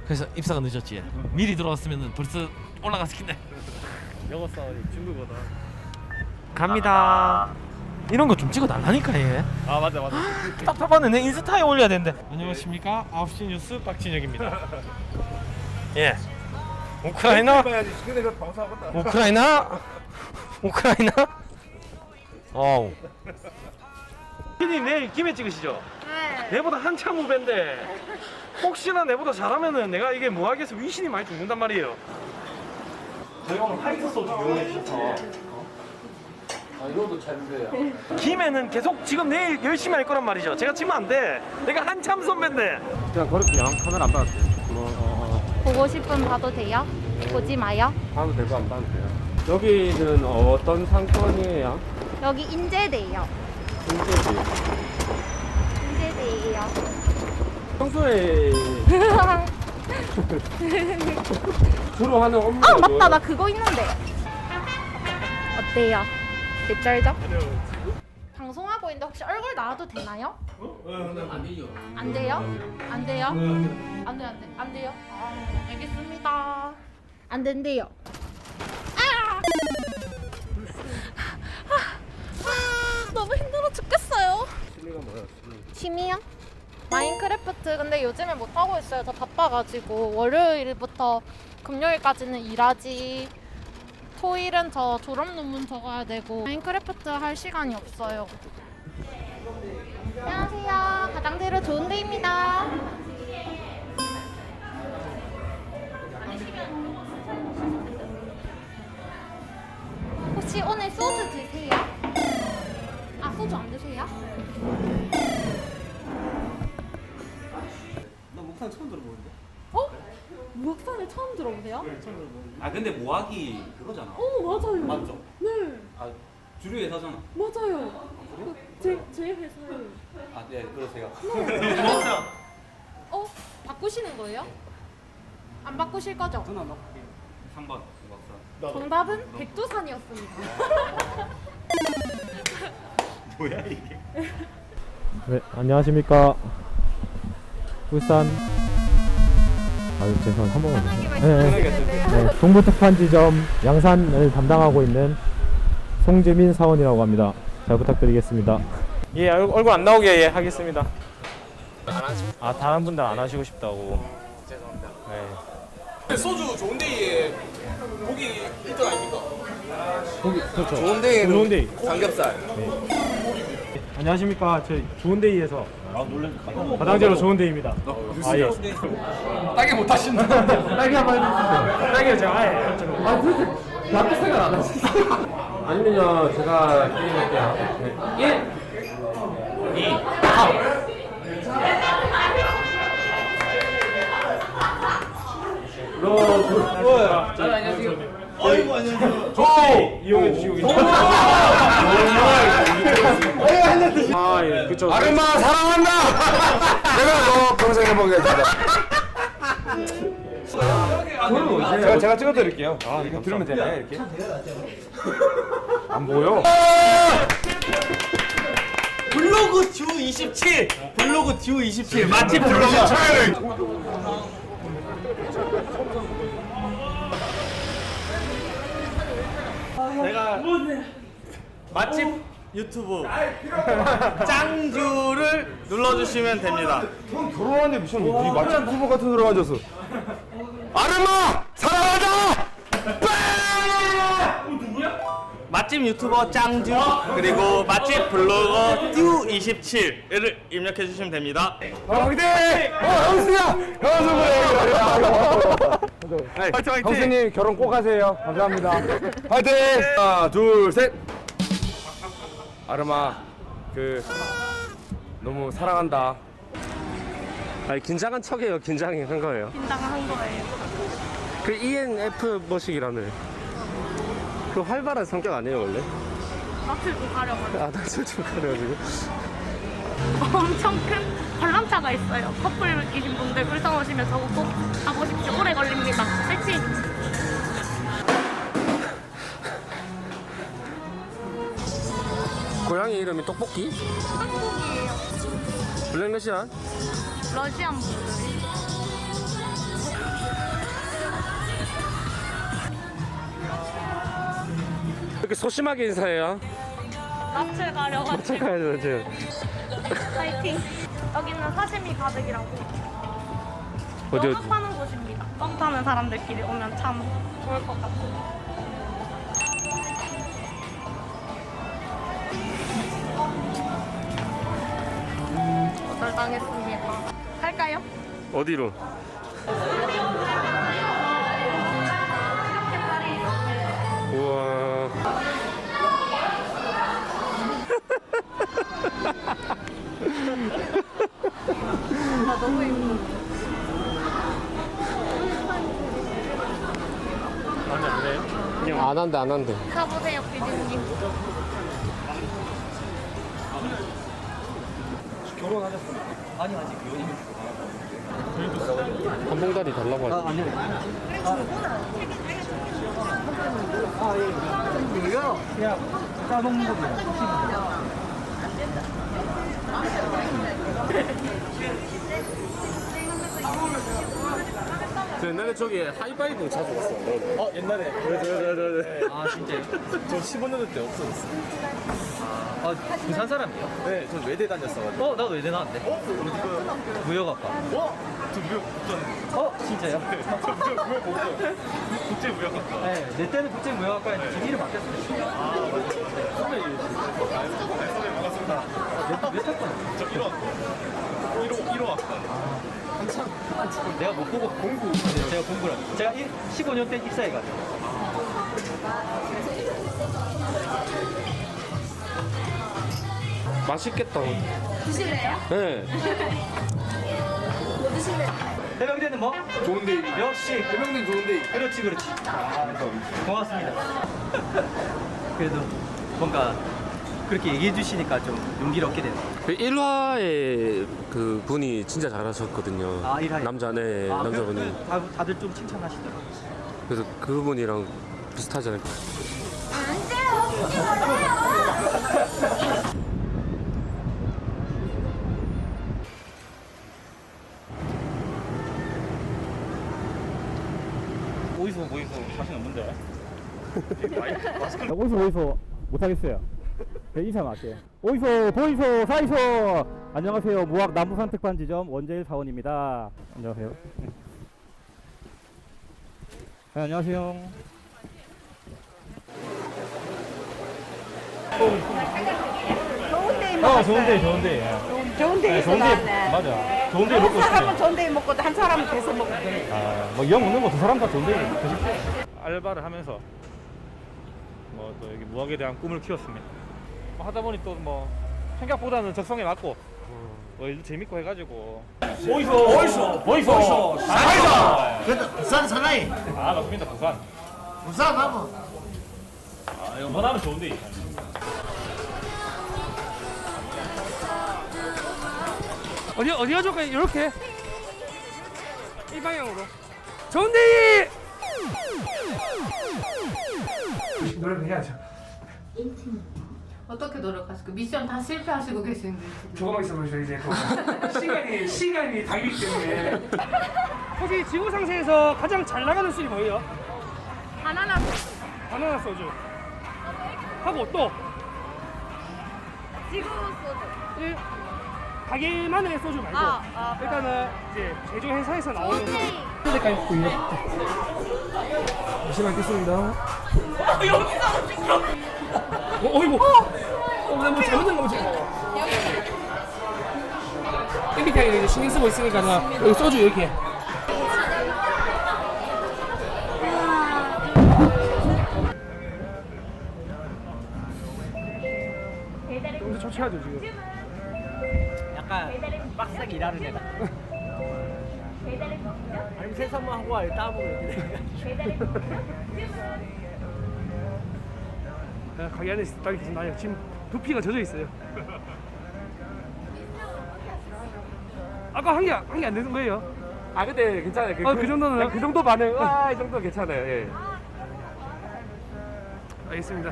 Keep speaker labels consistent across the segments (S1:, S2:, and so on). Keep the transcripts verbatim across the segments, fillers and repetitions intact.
S1: 그래서 입사가 늦었지. 미리 들어왔으면 벌써 올라갔을 텐데.
S2: 영어 싸우니 중국어다.
S1: 갑니다. 이런 거 좀 찍어달라니까 얘.
S2: 아 맞아 맞아.
S1: 답답하네. 내 인스타에 올려야 되는데. 안녕하십니까. 아홉 시 뉴스 박진혁입니다. 예. 우크라이나. 우크라이나. 우크라이나. 어우. 피디님 내일 김에 찍으시죠?
S3: 네.
S1: 내보다 한참 후배인데 혹시나 내보다 잘하면은 내가 이게 뭐하겠어 위신이 많이 죽는단 말이에요. 저희 오늘 화이트 소주 이용해 주셔서
S2: 아 이거도 잘 돼요.
S1: 김에는 계속 지금 내일 열심히 할 거란 말이죠. 제가 지면 안 돼. 내가 한참 선배인데.
S2: 그냥 그렇게요. 카메라 안 받았어요. 어,
S3: 보고 싶으면 봐도 돼요? 보지 마요.
S2: 봐도 되고 안 봐도 돼요. 여기는 어떤 상권이에요?
S3: 여기 인제대예요.
S2: 인제지.
S3: 인제대예요.
S2: 평소에 주로 하는 업무가
S3: 아 맞다,
S2: 뭐예요?
S3: 나 그거 있는데. 어때요? 개쩔죠? 방송하고 있는데 혹시 얼굴 나와도 되나요?
S2: 안 되죠.
S3: 안 돼요? 안 돼요? 안 돼, 안 돼, 안 돼요? 아, 알겠습니다. 안 된대요. 아! 아, 너무 힘들어 죽겠어요.
S2: 취미가 뭐예요? 취미.
S3: 취미요? 마인크래프트. 근데 요즘에 못 하고 있어요. 저 바빠가지고 월요일부터 금요일까지는 일하지. 토일은 저 졸업 논문 적어야 되고 마인크래프트 할 시간이 없어요. 안녕하세요. 가장대로 좋은 데입니다. 혹시 오늘 소주 드세요? 아 소주 안 드세요?
S2: 나 목탄 처음 들어보는데.
S3: 어? 무학산을 처음 들어보세요?
S4: 아 근데 모하기 그거잖아.
S3: 어 맞아요.
S4: 맞죠?
S3: 네
S4: 아 주류 회사잖아.
S3: 맞아요. 제, 제 회사예요.
S4: 아 네, 그러세요.
S3: 어? 바꾸시는 거예요? 안 바꾸실 거죠?
S4: 전화 막 삼 번 박사.
S3: 정답은 백두산이었습니다.
S4: 뭐야 이게?
S2: 네, 안녕하십니까. 울산. 아유, 죄송합니다. 한 번만 더. 네, 네. 네, 동부특판지점 양산을 담당하고 있는 송재민 사원이라고 합니다. 잘 부탁드리겠습니다.
S1: 예, 얼- 얼굴 안 나오게 예, 하겠습니다. 아 다른 분들 안 하시고 싶다고. 죄송합니다. 네.
S5: 소주 좋은데이 고기 일 등 아닙니까?
S2: 거기, 그렇죠.
S5: 좋은데이
S2: 좋은데이.
S5: 삼겹살.
S2: 안녕하십니까. 저희 좋은데이에서 가장제로 좋은데이입니다. 아, 예.
S5: 따게 못 하신다.
S2: 딸기 한번 해주세요. 딸기 제가 아예. 아, 도대체 나도 생각 안 하시죠? 아니면요, 제가 드릴게요. 네. 일, 이, 로, 둘, 안녕하세요.
S5: 어이구 안녕하세요.
S2: 좋은데이 이용해 주시고 계십니다. 아, 예, 그쵸.
S5: 아름마 사랑한다. 내가 너 평생 해보겠습니다.
S2: 제가, 제가 찍어드릴게요. 아, 이거 들으면 되나요, 이렇게? 안 보여?
S1: 블로그 듀 이십칠. 블로그 듀 이십칠. 맛집 블로그 내가 맛집 유튜브 짱주를 눌러주시면 됩니다.
S5: 형 결혼하는데 무슨 이 맛집 후보 같은 소리 가졌어. 아름마 사랑한다.
S1: 맛집 유튜버 짱주 그리고 맛집 블로거 듀 이십칠을 입력해 주시면 됩니다.
S5: 아, 화이팅! 어, 형수야! 형수 그래!
S1: 화이팅 화이팅!
S2: 형수님 결혼 꼭 하세요. 감사합니다.
S5: 화이팅! 하나, 둘, 셋! 아름아, 그, 너무 사랑한다.
S2: 아니, 긴장한 척이에요. 긴장한 거예요.
S3: 긴장한 거예요.
S2: 그 이엔에프 머식이라는 그 활발한 성격 아니에요 원래?
S3: 낯을 못 가려가지고.
S2: 아, 낯을 좀 가려가지고.
S3: 엄청 큰 관람차가 있어요. 커플 계신 분들 울산 오시면 저거 꼭 가보십시오. 오래 걸립니다. 파이팅!
S2: 고양이 이름이 떡볶이?
S3: 한국이에요.
S2: 블랙러시안?
S3: 러시안 분들.
S2: 그렇게 소심하게 인사해요?
S3: 낯을 가려가지고.
S2: 착하죠 지금.
S3: 파이팅. 여기는 사시미 가득이라고.
S2: 어디
S3: 연어
S2: 어디?
S3: 파는 곳입니다. 썸 타는 사람들끼리 오면 참 좋을 것 같아요. 거절당했습니다. 할까요?
S2: 어디로? 우와.
S3: 나 너무 예뻐.
S1: 안돼 안돼. 그냥
S2: 안 한대 안 한대.
S3: 가보세요, 피디님.
S4: 결혼하셨습니까? 아니 아직 연인.
S2: 한 봉다리 달라고 하지.
S4: 아 아니요. 아 예. 이거요? 그냥 짜먹는 거예요.
S2: 저 옛날에 저기 하이파이브 자주 갔어.
S5: 어 옛날에
S4: 아 진짜요?
S5: 저 십오 년도 때 없어졌어.
S4: 아 부산 사람이에요?
S5: 네전 외대 다녔어가지고.
S4: 어 나도 외대 나왔는데.
S5: 어? 어디 거요?
S4: 무역학과.
S5: 어? 저 무역 국전.
S4: 어 진짜요?
S5: 저 무역 무역 뭐죠? 국제 무역학과.
S4: 네, 내 때는 국제 무역학과였는데 지금 이름 바뀌었어요.
S5: 아 맞아. 선배님. 아 선배 반갑습니다.
S4: 몇 학번?
S5: 저 일 호. 일 호 일 호 학과.
S4: 내가 못 보고 공부. 네, 제가 공부를. 제가 십오 년 때 입사해가지고.
S2: 맛있겠다.
S3: 드실래요?
S2: 네.
S3: 뭐 드실래요?
S4: 해병대는 뭐?
S5: 좋은 데이.
S4: 역시
S5: 해병대 좋은 데이.
S4: 그렇지 그렇지. 고맙습니다. 그래도 뭔가 그렇게 얘기해 주시니까 좀 용기를 얻게 되네요.
S2: 그 일 화에 그 분이 진짜 잘하셨거든요.
S4: 아, 일 화에?
S2: 남자네
S4: 아,
S2: 남자분이.
S4: 그- 다, 다들 좀 칭찬하시더라고요.
S2: 그래서 그분이랑 비슷하지 않을까.
S1: 어디서 어디서 자신 없는데.
S6: 어디서 어디서 못하겠어요. 네, 인사만 할게요. 어디서 보이소 사이소. 안녕하세요. 무학 남부산 특판지점 원재일 사원입니다. 안녕하세요. 네, 안녕하세요.
S7: 좋은 데이
S6: 어,
S7: 먹었어요.
S6: 좋은데, 좋은데.
S7: 좋은 데이 있어
S6: 좋은데,
S7: 나왔네.
S6: 맞아. 좋은데 먹고
S7: 한 사람은
S6: 싶어요.
S7: 좋은 데이 먹고 한 사람은 계속 먹고 그래.
S6: 아, 뭐영 먹는 거 두 사람 다 좋은데 드십시오. 알바를 하면서 뭐 또 여기 무학에 대한 꿈을 키웠습니다. 뭐 하다 보니 또 뭐 생각보다는 적성에 맞고 뭐 일도 재밌고 해가지고. 보이소, 보이소, 보이소, 사이소.
S8: 그래도 부산 사나이
S6: 아, 맞습니다. 부산.
S8: 부산 하면
S6: 아, 이거 원하면 좋은데. 어디 어디가 좋을까요? 이렇게 이 방향으로. 좋은데. 노래 해야죠.
S9: 어떻게 노력하실까? 미션 다 실패하시고 계시는데 지금.
S6: 조금만 있어보세요. 이제 또 시간이 시간이 달기 때문에. 혹시 지구 상태에서 가장 잘 나가는 술이 뭐예요?
S3: 바나나
S6: 바나나 소주. 하고 또
S3: 지구 소주.
S6: 일, 가게만의 소주 말고
S3: 아, 아,
S6: 일단은 이제 제조 회사에서 나오는
S3: 오케이.
S6: 때까지 구이요. 잠시만 있겠습니다. 어, 여기서 찍혀. 어, 어이구. 어, 나뭐 잘못된 거 보지. 엠비티아이 이제 신경 쓰고 있으니까 여기 소주 이렇게. 여기서 조치하죠 지금.
S4: 약간 빡세게 일하는 애다. 아니면 세상만 하고 와요. 따보고 이렇게 돼.
S6: 네, 가게 안에 딱 계속 나요. 지금 두피가 젖어 있어요. 아까 한 개 한 개 안 되는 거예요?
S2: 아 근데 괜찮아요. 그,
S6: 어, 그 정도는
S2: 그 정도 반응. 와, 이 정도 괜찮아요. 예.
S6: 알겠습니다.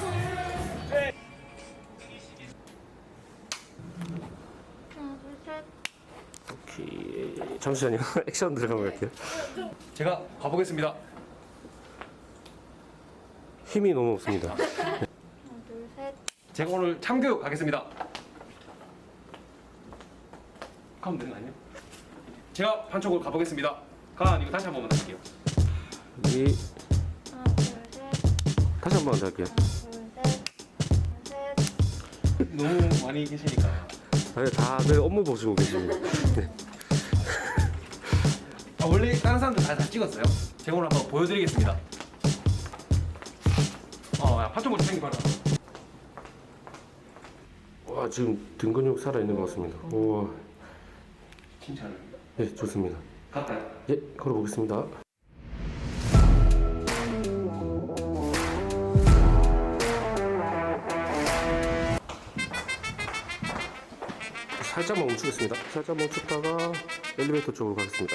S3: 하나, 둘, 셋.
S2: 잠시만요. 액션 들어가면 갈게요.
S5: 제가 가보겠습니다.
S2: 힘이 너무 없습니다.
S3: 둘, 셋.
S5: 제가 오늘 참교육 가겠습니다. 가면 되는 거 아니에요? 제가 판촉을 가보겠습니다. 가 아니고 다시 한 번만 할게요.
S2: 이
S3: 하나, 둘, 셋.
S2: 다시 한 번 더 할게요.
S3: 하나, 둘, 셋. 셋.
S5: 너무 많이 계시니까.
S2: 아니, 다들 업무 보시고 계십니다. 네.
S5: 아, 원래 다른 사람들 다, 다 찍었어요. 제가 오늘 한번 보여드리겠습니다. 어, 야, 판촉을 챙겨봐라.
S2: 와, 지금 등 근육 살아 있는 것 같습니다. 우와,
S5: 칭찬을.
S2: 예, 좋습니다.
S5: 갈까요?
S2: 예, 걸어보겠습니다. 살짝만 멈추겠습니다. 살짝 멈췄다가 엘리베이터 쪽으로 가겠습니다.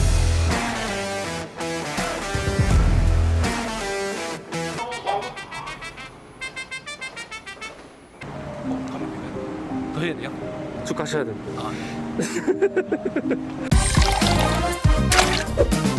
S5: 어, 가면 되네. 더 해야 돼요?
S2: 쭉 가셔야 됩니다.
S5: 아.